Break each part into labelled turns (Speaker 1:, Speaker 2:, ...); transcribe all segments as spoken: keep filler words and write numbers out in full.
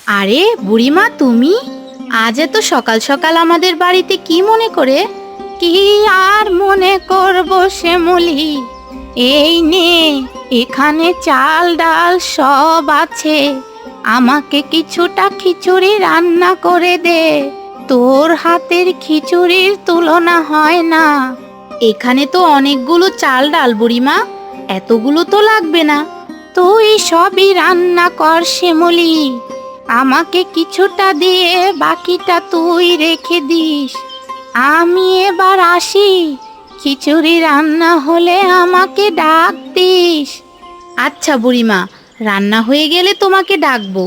Speaker 1: আরে বুড়িমা, তুমি আজ এত সকাল সকাল আমাদের বাড়িতে কি মনে করে? কি আর মনে করব শ্যামলী, এই নে, এখানে চাল ডাল সব আছে। আমাকে কিছুটা খিচুড়ি রান্না করে দে। তোর হাতের খিচুড়ির তুলনা হয় না। এখানে তো অনেকগুলো চাল ডাল বুড়িমা, এতগুলো তো লাগবে না। তুই সবই রান্না কর শ্যামলী, আমাকে কিছুটা দিয়ে বাকিটা তুই রেখে দিস। আমি এবার আসি, খিচুড়ি রান্না হলে আমাকে ডাক দিস। আচ্ছা বুড়িমা, রান্না হয়ে গেলে তোমাকে ডাকবো।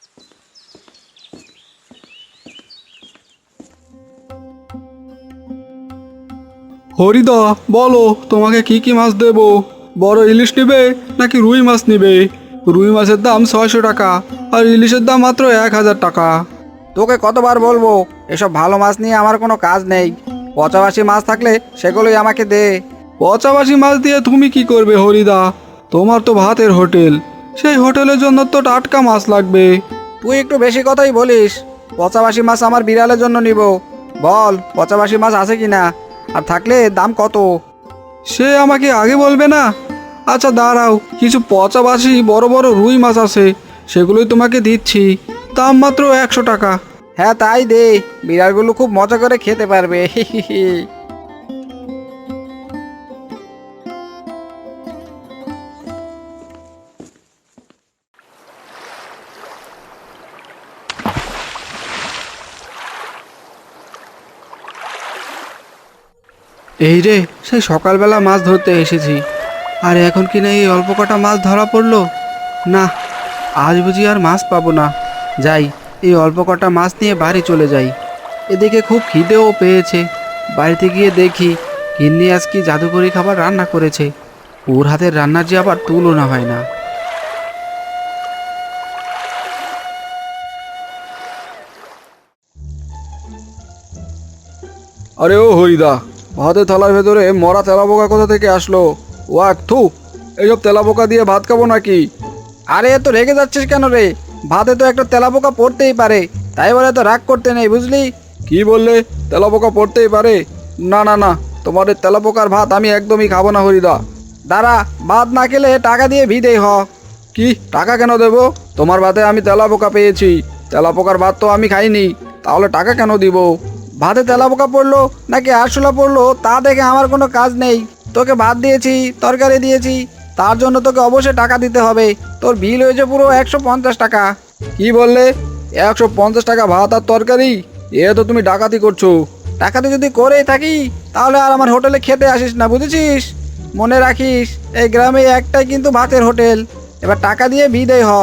Speaker 2: হরিদা, বলো তোমাকে কি কি মাছ দেবো? বড় ইলিশ নেবে নাকি রুই মাছ নেবে? রুই মাছের দাম ছয়শো টাকা আর ইলিশের দাম মাত্র এক হাজার টাকা।
Speaker 3: তোকে কতবার বলবো, এসব ভালো মাছ নিয়ে আমার কোনো কাজ নেই। পচাবাসি মাছ থাকলে সেগুলোই আমাকে দে।
Speaker 2: পচাবাসি মাছ দিয়ে তুমি কি করবে হরিদা? তোমার তো ভাতের হোটেল, সেই হোটেলের জন্য তো টাটকা মাছ লাগবে।
Speaker 3: তুই একটু বেশি কথাই বলিস। পচাবাসি মাছ আমার বিড়ালের জন্য নিব। বল, পচাবাসি মাছ আছে কি না, আর থাকলে দাম কত?
Speaker 2: সে আমাকে আগে বলবে না? আচ্ছা দাঁড়াও, কিছু পচাবাসি বড় বড় রুই মাছ আছে, সেগুলোই তোমাকে দিচ্ছি, দাম মাত্র একশো টাকা।
Speaker 3: হ্যাঁ তাই দে, বিড়ালগুলো খুব মজা করে খেতে পারবে।
Speaker 2: এই রে, সেই সকালবেলা মাছ ধরতে এসেছি, আর এখন কি না এই অল্প কটা মাছ ধরা পড়লো। না, আজ বুঝি আর মাছ পাবো না। যাই, এই অল্প কটা মাছ নিয়ে বাড়ি চলে যাই। এদিকে খুব খিদেও পেয়েছে। বাড়িতে গিয়ে দেখি গিন্নি আজ কি জাদুকরি খাবার রান্না করেছে। ওর হাতের রান্নার যে আবার তুলনা হয় না। আরে ও হরিদা, ভাতের থালার ভেতরে মরা তেলাপোকা কোথা থেকে আসলো? ওয়াক থু, এইসব তেলাপোকা দিয়ে ভাত খাবো নাকি?
Speaker 3: আরে এত রেগে যাচ্ছিস কেন রে? ভাতে তো একটা তেলাপোকা পড়তেই পারে, তাই বলে তো রাগ করতে নেই, বুঝলি?
Speaker 2: কি বললে? তেলাপোকা পড়তেই পারে? না না না, তোমাদের তেলাপোকার ভাত আমি একদমই খাবো না হরিদা।
Speaker 3: দাঁড়া, ভাত না খেলে টাকা দিয়ে ভিদেই হ।
Speaker 2: কি টাকা কেন দেবো? তোমার ভাতে আমি তেলাপোকা পেয়েছি, তেলাপোকার ভাত তো আমি খাইনি, তাহলে টাকা কেন দিব?
Speaker 3: ভাতে তেলাপোকা পড়লো নাকি আরশোলা পড়লো তা দেখে আমার কোনো কাজ নেই। তোকে ভাত দিয়েছি, তরকারি দিয়েছি, তার জন্য তোকে অবশ্যই টাকা দিতে হবে। তোর বিল হয়েছে পুরো একশো পঞ্চাশ টাকা।
Speaker 2: কি বললে? একশো পঞ্চাশ টাকা ভাত আর তরকারি? এ তো তুমি ডাকাতি করছো।
Speaker 3: টাকাতে যদি করেই থাকি তাহলে আর আমার হোটেলে খেতে আসিস না, বুঝেছিস? মনে রাখিস, এই গ্রামে একটাই কিন্তু ভাতের হোটেল। এবার টাকা দিয়ে বিদেয় হ।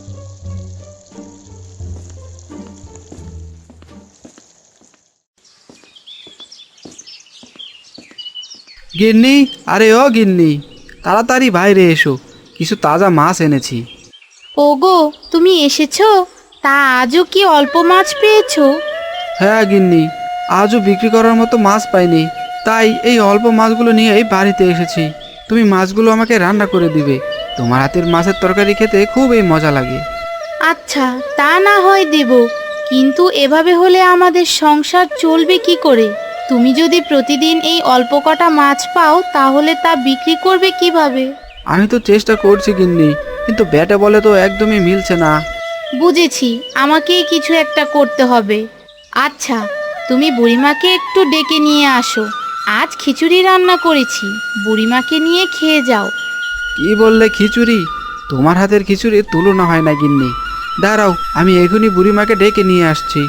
Speaker 2: গিন্নি, আরে ও গিন্নি, তাড়াতাড়ি বাইরে এসো, কিছু তাজা মাছ এনেছি।
Speaker 1: ওগো, তুমি এসেছো? তা আজও কি অল্প মাছ পেয়েছো?
Speaker 2: হ্যাঁ গিন্নি, আজও বিক্রি করার মতো মাছ পাইনি, তাই এই অল্প মাছগুলো নিয়েই বাড়িতে এসেছি। তুমি মাছগুলো আমাকে রান্না করে দিবে, তোমার হাতের মাছের তরকারি খেতে খুবই মজা লাগে।
Speaker 1: আচ্ছা, তা না হয় দেব, কিন্তু এভাবে হলে আমাদের সংসার চলবে কি করে? তুমি যদি প্রতিদিন এই অল্প কটা মাছ পাও তাহলে তা বিক্রি করবে কিভাবে?
Speaker 2: আমি তো চেষ্টা করছি গিন্নি, কিন্তু ব্যাটে বলে তো একদমই মিলছে না।
Speaker 1: বুঝেছি, আমাকেই কিছু একটা করতে হবে। আচ্ছা, তুমি বুড়িমাকে একটু ডেকে নিয়ে আসো। আজ খিচুড়ি রান্না করেছি, বুড়িমাকে নিয়ে খেয়ে যাও।
Speaker 2: কি বললে খিচুড়ি? তোমার হাতের খিচুড়ির তুলনা হয় না গিন্নি। দাঁড়াও, আমি এখনই বুড়িমাকে ডেকে নিয়ে আসছি।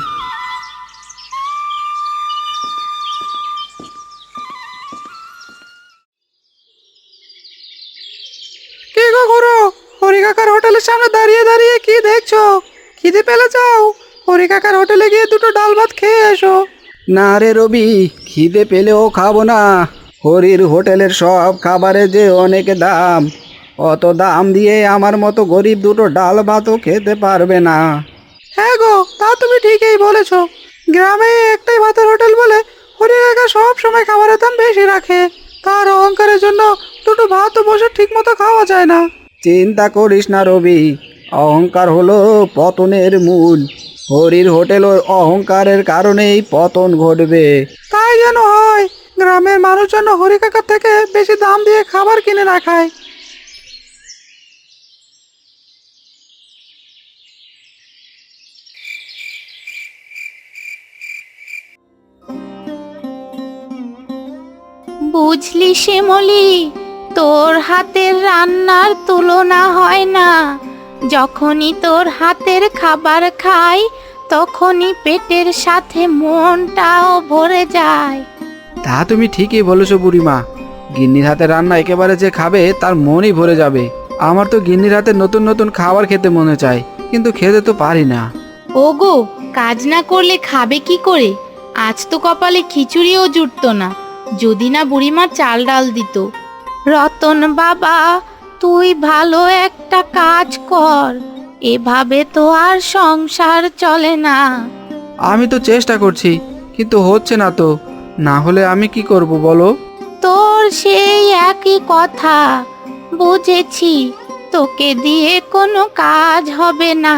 Speaker 3: কি গো করো? হরি কাকার হোটেলের সামনে দাঁড়িয়ে দাঁড়িয়ে কি দেখছো? খিদে পেলে যাও, হরি কাকার হোটেলে গিয়ে দুটো ডাল ভাত খেয়ে এসো।
Speaker 2: না রে রবি, খিদে পেলেও খাবো না। হরির হোটেলের সব খাবারের যে অনেক দাম, অত দাম দিয়ে আমার মতো গরিব দুটো ডাল ভাতও খেতে পারবে না।
Speaker 3: হ্যাঁ গো, তা তুমি ঠিকই বলেছো। গ্রামে একটাই ভাতের হোটেল বলে হরি কাকা সব সময় খাবারের দাম বেশি রাখে। তার অহংকারের জন্য দুটো ভাতও বসে ঠিক মতো খাওয়া যায় না।
Speaker 2: চিন্তা করিস না রবি,
Speaker 3: অহংকার হলো পতনের মূল। হরির হোটেল ও অহংকারের কারণেই পতন ঘটবে।
Speaker 2: তাই যেন হয়, গ্রামের মানুষ যেন হরি কাকার থেকে বেশি দাম দিয়ে খাবার কিনে না খায়।
Speaker 1: বুঝলি শ্যামলি, তোর হাতের রান্নার তুলনা হয় না। যখনই তোর হাতের খাবার খাই, তখনই পেটের সাথে মনটাও ভরে যায়।
Speaker 2: তা তুমি ঠিকই বলেছো বুড়িমা, গিন্নির হাতে রান্না একেবারে যে খাবে তার মনই ভরে যাবে। আমার তো গিন্নির হাতে নতুন নতুন খাবার খেতে মনে চায়, কিন্তু খেতে তো পারি না।
Speaker 1: ওগো, কাজ না করলে খাবে কি করে? আজ তো কপালে খিচুড়িও জুটতো না, যদি না বুড়িমা চাল ডাল দিত। রতন বাবা, তুই ভালো একটা কাজ কর, এভাবে তো আর সংসার চলে না।
Speaker 2: আমি তো চেষ্টা করছি, কিন্তু হচ্ছে না তো। না হলে আমি কি করব বলো?
Speaker 1: তোর সেই একই কথা, বুঝেছি, তোকে দিয়ে কোনো কাজ হবে না।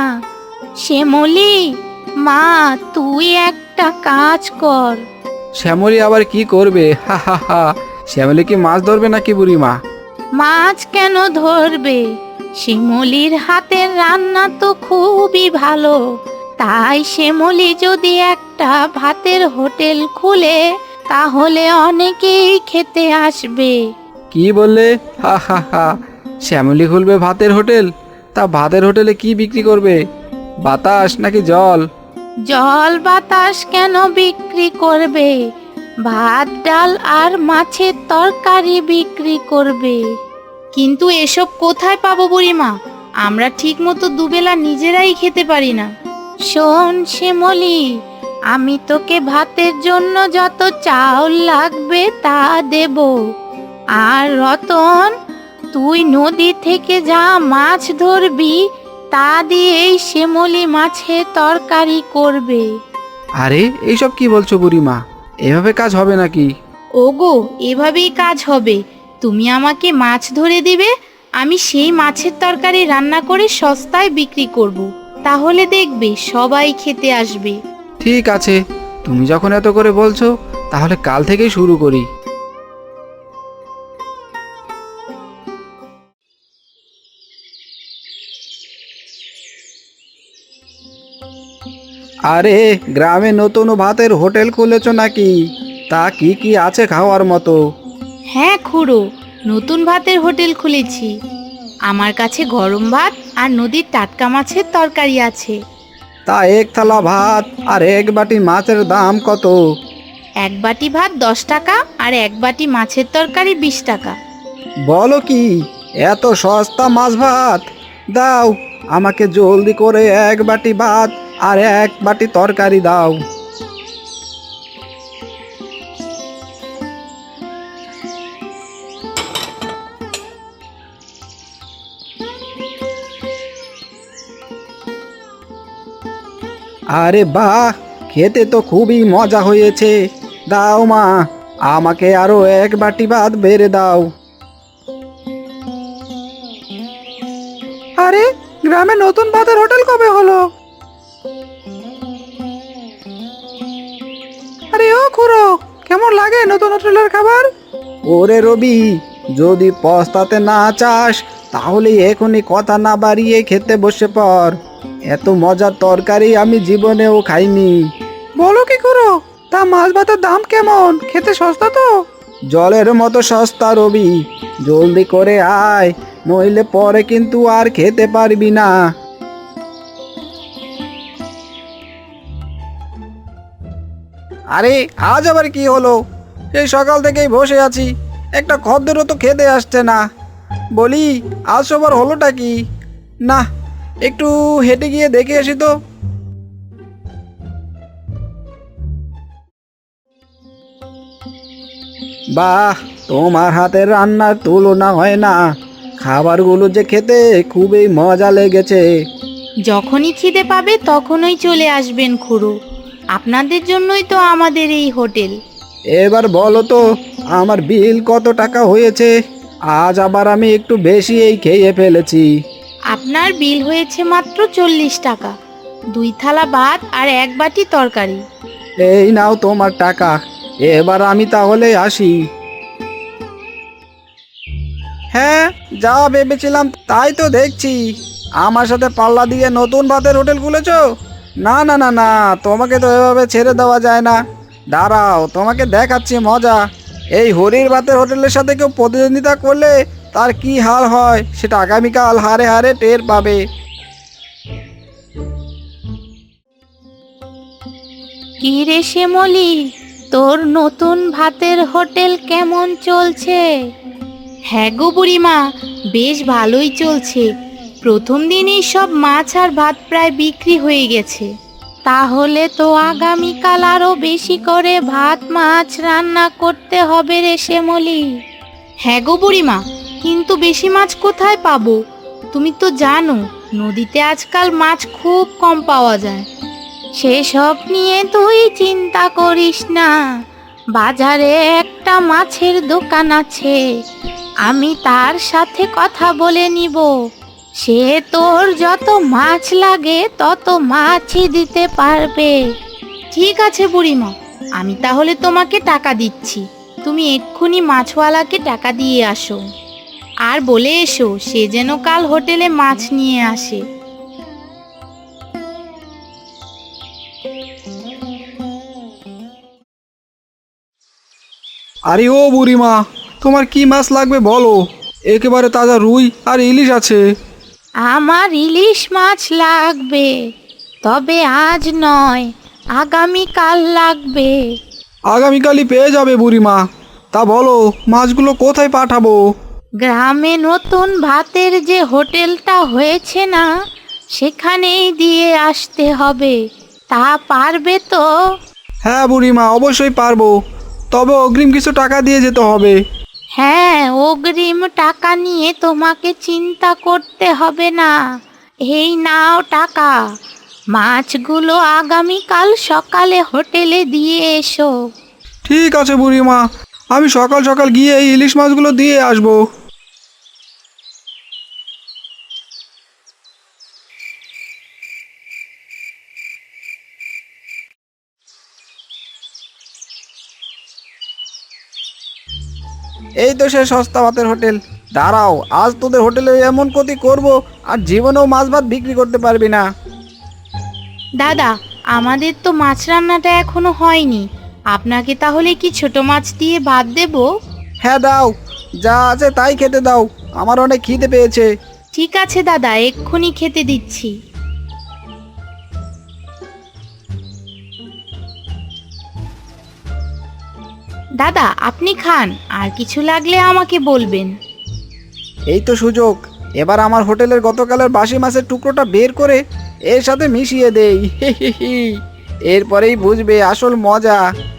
Speaker 1: শ্যামলি মা, তুই একটা কাজ কর।
Speaker 2: শ্যামলী আবার কি করবে? হা হা হা। শ্যামলী কি মাছ ধরবে নাকি বুড়িমা?
Speaker 1: মাছ কেন ধরবে? শ্যামলির হাতের রান্না তো খুবই ভালো। তাই শ্যামলি যদি একটা ভাতের হোটেল খুলে, তাহলে অনেকেই খেতে আসবে।
Speaker 2: কি বললে? হা হা হা। শ্যামলী খুলবে ভাতের হোটেল? তা ভাতের হোটেলে কি বিক্রি করবে? বাতাস নাকি জল?
Speaker 1: জল বাতাস কেন বিক্রি করবে? ভাত ডাল আর মাছের তরকারি বিক্রি করবে। কিন্তু এসব কোথায় পাবো বুড়িমা? আমরা ঠিক মতো দুবেলা নিজেরাই খেতে পারি না। শোন শ্যামলি, আমি তোকে ভাতের জন্য যত চাউল লাগবে তা দেব। আর রতন, তুই নদী থেকে যা মাছ ধরবি তা দিয়েই শ্যামলি মাছের তরকারি করবে।
Speaker 2: আরে এইসব কি বলছো বুড়িমা? এভাবে কাজ হবে নাকি?
Speaker 1: ওগো, এভাবেই কাজ হবে। তুমি আমাকে মাছ ধরে দিবে, আমি সেই মাছের তরকারি রান্না করে সস্তায় বিক্রি করব। তাহলে দেখবে সবাই খেতে আসবে।
Speaker 2: ঠিক আছে, তুমি যখন এত করে বলছো, তাহলে কাল থেকেই শুরু করি।
Speaker 3: আরে, গ্রামে নতুন ভাতের হোটেল খুলেছ নাকি? তা কি কি আছে খাওয়ার মতো?
Speaker 1: হ্যাঁ খুড়ো, নতুন ভাতের হোটেল খুলেছি। আমার কাছে গরম ভাত আর নদীর টাটকা মাছের তরকারি আছে।
Speaker 3: তা এক থালা ভাত আর এক বাটি মাছের দাম কত?
Speaker 1: এক বাটি ভাত দশ টাকা আর এক বাটি মাছের তরকারি বিশ টাকা।
Speaker 3: বলো কি, এত সস্তা মাছ ভাত? দাও, আমাকে জলদি করে এক বাটি ভাত আর এক বাটি তরকারি দাও। আরে বাহ, খেতে তো খুবই মজা হয়েছে। দাও মা, আমাকে আরো এক বাটি ভাত বেড়ে দাও।
Speaker 2: আরে, গ্রামে নতুন ভাতের হোটেল কবে হলো? আরে ও খুড়ো, কেমন লাগে নতুন হোটেলের খাবার?
Speaker 3: ওরে রবি, যদি পস্তাতে না চাস তাহলে এখনই কথা না বাড়িয়ে খেতে বসে পড়। এত মজার তরকারি আমি জীবনেও খাইনি।
Speaker 2: বলো কি খুড়ো, তা মাছ ভাতের দাম কেমন? খেতে সস্তা তো?
Speaker 3: জলের মতো সস্তা রবি, জলদি করে আয়, নইলে পরে কিন্তু আর খেতে পারবি না। আরে, আজ আবার কি হলো? এই সকাল থেকেই বসে আছি, একটা খদ্দেরও তো খেতে আসছে না। বলি, আজ সবার হলোটা কি? না, একটু হেঁটে গিয়ে দেখে আসি তো। বাহ, তোমার হাতের রান্নার তুলনা হয় না। খাবারগুলো যে খেতে খুবই মজা লেগেছে।
Speaker 1: যখনই খিদে পাবে তখনই চলে আসবেন খুড়ো, আপনাদের জন্যই তো আমাদের এই হোটেল।
Speaker 3: এবার বলো তো, আমার বিল কত টাকা হয়েছে? আজ আবার আমি একটু বেশি এই খেয়ে ফেলেছি।
Speaker 1: আপনার বিল হয়েছে মাত্র চল্লিশ টাকা, দুই থালা ভাত আর এক বাটি তরকারি।
Speaker 3: এই নাও তোমার টাকা, এবার আমি তাহলে আসি। হ্যাঁ, যা ভেবেছিলাম তাই তো দেখছি। আমার সাথে পাল্লা দিয়ে নতুন ভাতের হোটেল খুলেছো? না না না না, তোমাকে তো এভাবে ছেড়ে দেওয়া যায় না। দাঁড়াও, তোমাকে দেখাচ্ছি মজা। এই হরির ভাতের হোটেলের সাথে কেউ প্রতিদ্বন্দ্বিতা করলে তার কি হাল হয় সেটা আগামীকাল হারে হারে টের পাবে।
Speaker 1: কি রে শ্যামলী, তোর নতুন ভাতের হোটেল কেমন চলছে? হ্যাঁ গো বুড়িমা, বেশ ভালোই চলছে। প্রথম দিনই সব মাছ আর ভাত প্রায় বিক্রি হয়ে গেছে। তাহলে তো আগামীকাল আরো বেশি করে ভাত মাছ রান্না করতে হবে রে শ্যামলী। হ্যাঁ গো বুড়িমা, কিন্তু বেশি মাছ কোথায় পাবো? তুমি তো জানো নদীতে আজকাল মাছ খুব কম পাওয়া যায়। সেসব নিয়ে তুই চিন্তা করিস না, বাজারে একটা মাছের দোকান আছে, আমি তার সাথে কথা বলে নিব। সে তোর যত মাছ লাগে তত মাছই দিতে পারবে। ঠিক আছে বুড়িমা, আমি তাহলে তোমাকে টাকা দিচ্ছি, তুমি এক্ষুনি মাছওয়ালাকে টাকা দিয়ে আসো। আর বলে এসো সে যেন কাল হোটেলে মাছ নিয়ে আসে।
Speaker 2: আরে ও বুড়িমা, তোমার কি মাছ লাগবে বলো? একেবারে তাজা রুই আর ইলিশ আছে।
Speaker 1: আমার ইলিশ মাছ লাগবে, তবে আজ নয়, আগামীকাল লাগবে।
Speaker 2: আগামীকালই পেয়ে যাবে বুড়িমা। তা বলো মাছগুলো কোথায় পাঠাবো?
Speaker 1: গ্রামে নতুন ভাতের যে হোটেলটা হয়েছে না, সেখানেই দিয়ে আসতে হবে। তা পারবে তো?
Speaker 2: হ্যাঁ বুড়িমা, অবশ্যই পারবো, তবে অগ্রিম কিছু টাকা দিয়ে যেতে হবে।
Speaker 1: হ্যাঁ, অগ্রিম টাকা নিয়ে তোমাকে চিন্তা করতে হবে না। এই নাও টাকা, মাছগুলো আগামীকাল সকালে হোটেলে দিয়ে এসো।
Speaker 2: ঠিক আছে বুড়িমা, আমি সকাল সকাল গিয়ে এই ইলিশ মাছগুলো দিয়ে আসবো।
Speaker 3: এই তো সে সস্তা ভাতের হোটেল। দাঁড়াও, আজ তোদের হোটেলে এমন ক্ষতি করব আর জীবনেও মাছ ভাত বিক্রি করতে পারবি না।
Speaker 1: দাদা, আমাদের তো মাছ রান্নাটা এখনো হয়নি, আপনাকে তাহলে কি ছোট মাছ দিয়ে ভাত দেব?
Speaker 3: হ্যাঁ দাও, যা আছে তাই খেতে দাও, আমার অনেক খিদে পেয়েছে।
Speaker 1: ঠিক আছে দাদা, এক্ষুনি খেতে দিচ্ছি। দাদা আপনি খান, আর কিছু লাগলে আমাকে বলবেন।
Speaker 3: এই তো সুযোগ, এবার আমার হোটেলের গতকালের বাসি মাছের টুকরোটা বের করে এর সাথে মিশিয়ে দেই। হি হি হি। এরপরেই বুঝবে আসল মজা।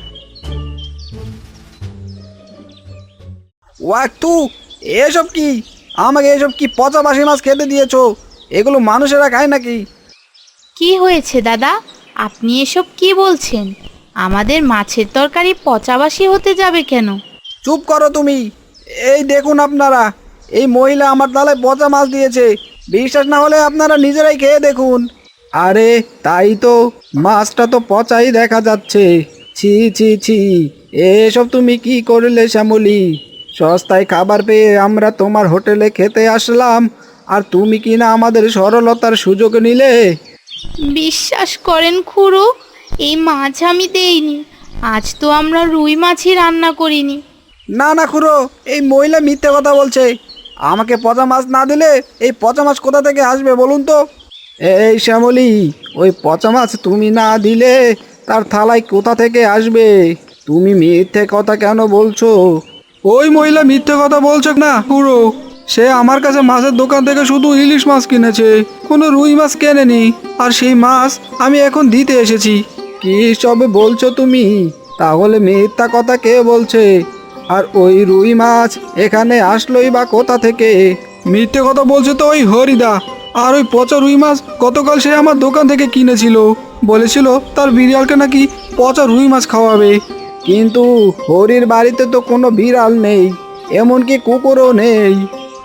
Speaker 3: ওয়াক্তু, এসব কি? আমাকে এসব কি পচা বাসি মাছ খেতে দিয়েছো? এগুলো মানুষেরা খায় নাকি?
Speaker 1: কি হয়েছে দাদা, আপনি এসব কি বলছেন? আমাদের মাছের তরকারি পচাবাসি হতে যাবে কেন?
Speaker 3: চুপ করো তুমি। এই দেখুন আপনারা, এই মহিলা আমার তালে পচা মাছ দিয়েছে। বিশ্বাস না হলে আপনারা নিজেরাই খেয়ে দেখুন। আরে তাই তো, মাছটা তো পচাই দেখা যাচ্ছে। ছি ছি ছি, এসব তুমি কি করলে শ্যামলী? সস্তায় খাবার পেয়ে আমরা তোমার হোটেলে খেতে আসলাম, আর তুমি কি না আমাদের সরলতার সুযোগ নিলে?
Speaker 1: বিশ্বাস করেন খুড়ো, এই মাছ আমি দেইনি। আজ তো আমরা রুই মাছই রান্না করিনি।
Speaker 3: না না খুড়ো, এই মহিলা মিথ্যে কথা বলছে। আমাকে পচা মাছ না দিলে এই পচা মাছ কোথা থেকে আসবে বলুন তো? এই শ্যামলী, ওই পচা মাছ তুমি না দিলে তার থালায় কোথা থেকে আসবে? তুমি মিথ্যে কথা কেন বলছো?
Speaker 2: ওই মহিলা মিথ্যে কথা বলছে না পুরো। সে আমার কাছে মাছের দোকান থেকে শুধু ইলিশ মাছ কিনেছে, কোনো রুই মাছ কেনেনি, আর সেই মাছ আমি এখন দিতে এসেছি।
Speaker 3: কি সবে বলছো তুমি? তাহলে মিথ্যা কথা কে বলছে? আর ওই রুই মাছ এখানে আসলোই বা কোথা থেকে?
Speaker 2: মিথ্যে কথা বলছে তো ওই হরিদা। আর ওই পচা রুই মাছ গতকাল সে আমার দোকান থেকে কিনেছিল, বলেছিল তার বিড়ালকে নাকি পচা রুই মাছ খাওয়াবে।
Speaker 3: কিন্তু হরির বাড়িতে তো কোনো বিড়াল নেই, এমনকি কুকুরও নেই।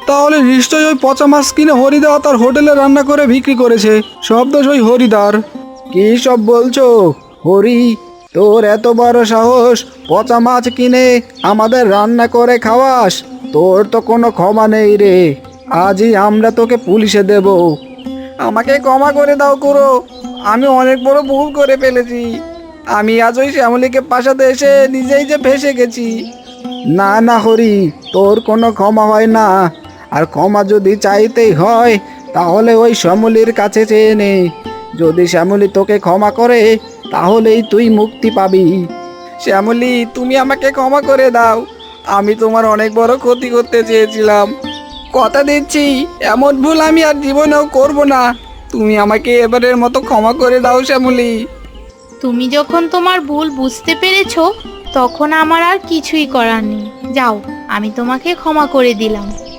Speaker 2: তাহলে নিশ্চয়ই ওই পচা মাছ কিনে হরিদা তার হোটেলে রান্না করে বিক্রি করেছে। সব দোষ ওই হরিদার।
Speaker 3: কি সব বলছো হরি? তোর এত বড় সাহস, পচা মাছ কিনে আমাদের রান্না করে খাওয়াস? তোর তো কোনো ক্ষমা নেই রে। আজই আমরা তোকে পুলিশে দেব। আমাকে ক্ষমা করে দাও কুড়ো, আমি অনেক বড় ভুল করে ফেলেছি। আমি আজ ওই শ্যামলীকে পাশাতে এসে নিজেই যে ফেসে গেছি। না না হরি, তোর কোনো ক্ষমা হয় না। আর ক্ষমা যদি চাইতেই হয় তাহলে ওই শ্যামলীর কাছে চেয়ে নে। যদি শ্যামলী তোকে ক্ষমা করে তাহলেই তুই মুক্তি পাবি। শ্যামলী, তুমি আমাকে ক্ষমা করে দাও। আমি তোমার অনেক বড় ক্ষতি করতে চেয়েছিলাম। কথা দিচ্ছি এমন ভুল আমি আর জীবনেও করব না। তুমি আমাকে এবারের মতো ক্ষমা করে দাও শ্যামলী।
Speaker 1: তুমি যখন তোমার ভুল বুঝতে পেরেছো তখন আমার আর কিছুই করার নেই। যাও, আমি তোমাকে ক্ষমা করে দিলাম।